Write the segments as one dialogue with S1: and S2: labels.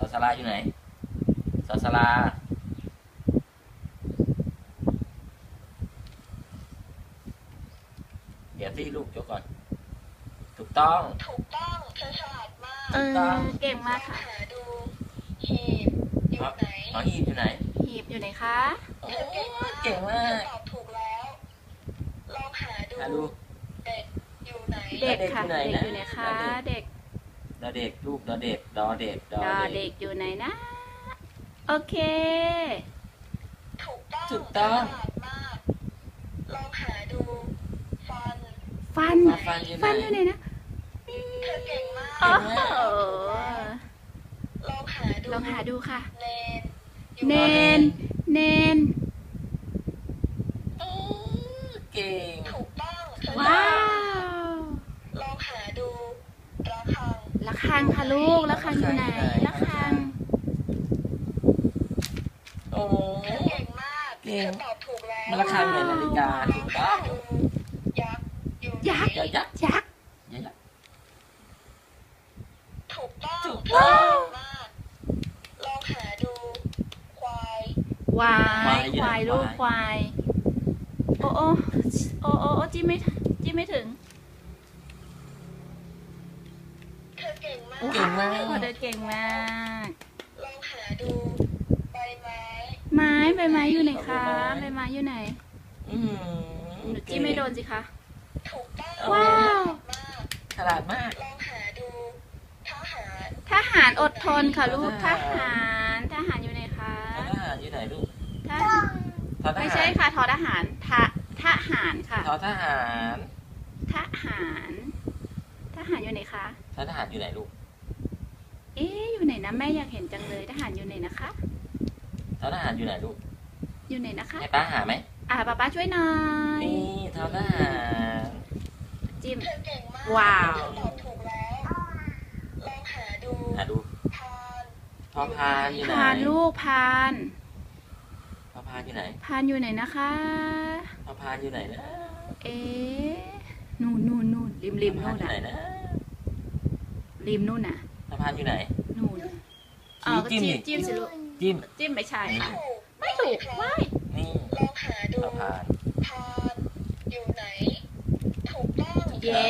S1: อสลาอยู่ไหนสอสลาเดี๋ยวที่ลูกยกก่อนถูกต้อง
S2: เธอฉลาดมาก
S3: เก่งมากค่ะ
S2: หาดูหีบอยู่ไหน
S1: หีบอยู่ไหน
S3: หีบอยู่ไหนคะ
S2: เธอเก่งมากตอบถูกแล้วลองหาดูเด็กอยู่ไหน
S3: เด็กค่ะเด็กอยู่ไหนคะเด็ก
S1: ดอเด็กลูกดอเด็กดอเด็ก
S3: ดอเด็กอยู่ไหนนะโอเค
S2: ถูกต้องฉลาดมากลองหาดูฟัน
S3: อยู่ไหนนะ
S2: เธอเก่งมาก
S3: โอ้โหลองหาดูค่ะเนน
S1: เก่ง
S2: ถูกต้อง
S3: ว้าว
S2: ลองหาดู
S3: ระฆังค่ะลูกระฆังอยู่ไหนระฆัง
S1: โอ้
S2: เธอเก่งมากเธอตอบถูกแล้ว
S1: ระฆังเหมือนนาฬิกาถูกต้อง
S3: ยักษ์
S2: ถูกต้องมากลองหาดูคว
S3: ายลูกควายโอ้จิ้มไม่ถึง
S2: เธอเก่งมาก
S3: เธอเก่งมาก
S2: ลองหาดูใบไ
S3: ม้อยู่ไหนคะใบไม้อยู่ไหนหนูจิ้มไม่โดนสิคะ
S2: ถูกต้อง
S3: ว้าว
S1: ฉลาดมาก
S2: ลองหาดู
S3: ทหารอดทนค่ะลูกทหารอยู่ไหนคะ
S1: ทหารอยู่ไหนลูก
S3: ไม่ใช่ค่ะทหารทหารค่ะ
S1: ทหาร
S3: อยู่ไหนคะ
S1: ทหารอยู่ไหนลูก
S3: อยู่ไหนนะแม่อยากเห็นจังเลยทหารอยู่ไหนนะคะ
S1: ทหารอยู่ไหนลูก
S3: อยู่ไหนนะคะ
S1: ให้ป้าหาไหม
S3: ป้าช่วยหน่อย
S1: นี่ทหาร
S3: จิ้ม
S2: ว้า
S3: ว
S2: ตอบถูกแล้วลองหาดู
S1: พอพานอยู่ไหน
S3: พานลูกพาน
S1: พอพานอยู่ไหน
S3: อยู่ไหนนะคะ
S1: พอพานอยู่ไหนนะ
S3: นู่นริมนู่น
S1: นะ
S3: ริมนู่นน่ะ
S1: พอพานอยู่ไหน
S3: นู่นจิ้มสิลูกจิ้มไม่ใช่ค่ะไม่ถูกไม่
S1: นี่
S2: ลองหาดูพานอยู่ไหนถูกต้อง
S3: เย้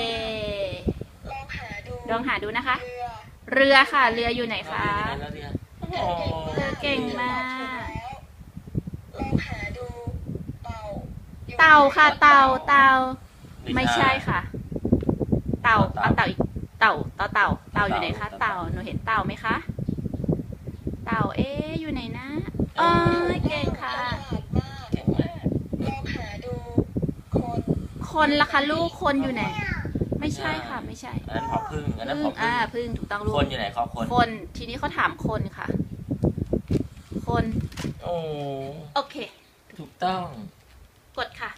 S3: ลองหาดูนะคะเรือค่ะเรืออยู่ไหนคะเรือเก่งมาก
S2: ลองหาดู
S3: เต่าค่ะเต่าไม่ใช่ค่ะเต่าอีกเต่าอยู่ไหนคะเต่าหนูเห็นเต่าไหมคะเต่าอยู่ไหนนะเก่งค่ะ
S2: ลองหาดู
S3: คนล่ะคะลูกคนอยู่ไหนไม่ใช่ค่ะไม่ใช่
S1: อันนั้นผอพึ่ง
S3: พึ่งถูกต้องลูก
S1: คนอยู่ไหนเขา
S3: คนทีนี้เขาถามคนค่ะคนโอเค
S1: ถูกต้อง
S3: กดค่ะ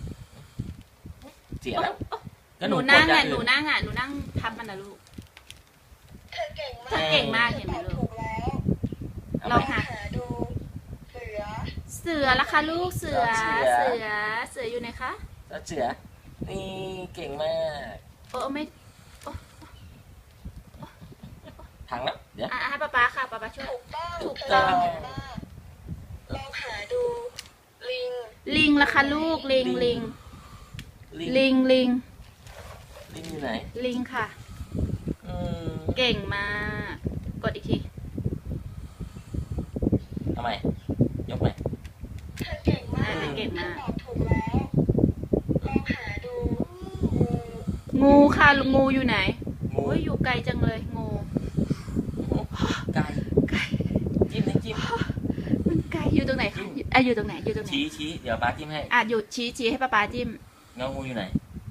S1: เสียแล้ว
S3: หนูนั่งทับมันนะลูก
S2: เธอเก่
S3: งมากเห็นไหมลูกลองหา
S2: ดู
S3: เสือละคะลูกเสืออยู่ไหนคะ
S1: เสือนี่เก่งมาก
S3: ไม่
S1: ถังแล้วเดี๋ยว
S3: ให้ป้าค่ะป้าช่วย
S2: ถูกต้องลองหาดู
S3: ลิงละคะลูกลิง
S1: อยู่ไหน
S3: ลิงค่ะเก่งมากกดอีกที
S1: ทำไมยกไหม
S2: เก่งมากตอบถูกแล้วลองหาดู
S3: งูค่ะงูอยู่ไหนอยู่ไกลจังเลยงู
S1: ไก่จิ้ม
S3: มันไกลอยู่ตรงไหนคะอยู่ตรงไหน
S1: ชี้เดี๋ยวป้าจิ้มให้
S3: อยู่ชี้ให้ป้าจิ้ม
S1: งูอยู่ไหน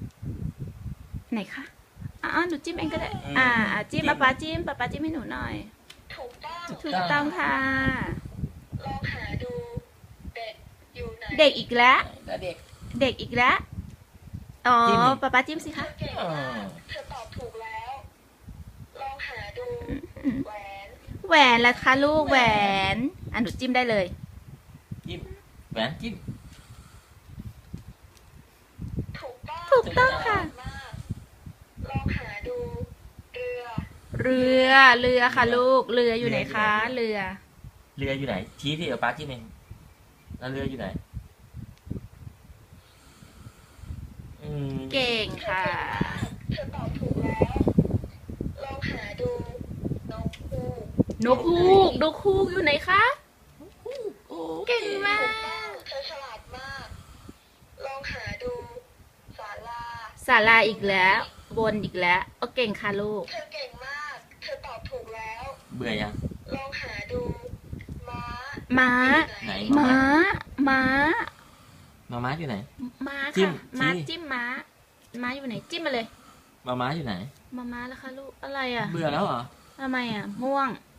S3: คะหนูจิ้มเองก็ได้จิ้มป้าจิ้มให้หนูหน่อยถูกต้องค่ะ
S2: ลองหาดูเด็กอยู่ไหน
S3: เด็กอีกแล้ว
S1: เด็ก
S3: อีกแล้วป้าจิ้มสิคะ
S2: เธอตอบถูกแล้วลองหาดู
S3: แหวนละคะลูกแหวนหนูจิ้มได้เลย
S1: จิ้มแหวนจิ้ม
S3: ถูกต้องค่ะ
S2: ลองหาดู
S3: เรือเรือค่ะลูก เรืออยู่ไหนคะ เรือ
S1: เรืออยู่ไหนชี้ที่ป้าชี้เองแล้วเรืออยู่ไหน
S3: เก่งค่ะ
S2: เธอตอบถูกแล้ว ลองหาดูนกฮูก
S3: นกฮูกนกฮูกอยู่ไหนคะ เก่งมาก
S2: เธอฉลาดมาก ลองหาดูศาลา
S3: ศาลาอีกแล้วบนอีกแล้วโอเก่งค่ะลูก
S2: เธอเก่งมาก เธอตอบถูกแล้ว
S1: เบื่อยัง
S2: ลองหาดูม้า
S3: ม้า
S1: ไหน
S3: ม้า ม้า
S1: ม้าอยู่ไหน
S3: ม้า
S1: จิ้
S3: ค่ะ
S1: ม
S3: ม้า
S1: ชี้
S3: จิ้มม้า ม้าอยู่ไหนจิ้มมาเลย
S1: ม้าอยู่ไหน
S3: ม้าแล้วค่ะลูก อะไรอ่ะ
S1: เบื่อแล้วเหรอ
S3: ทำไมอ่ะ ม่วง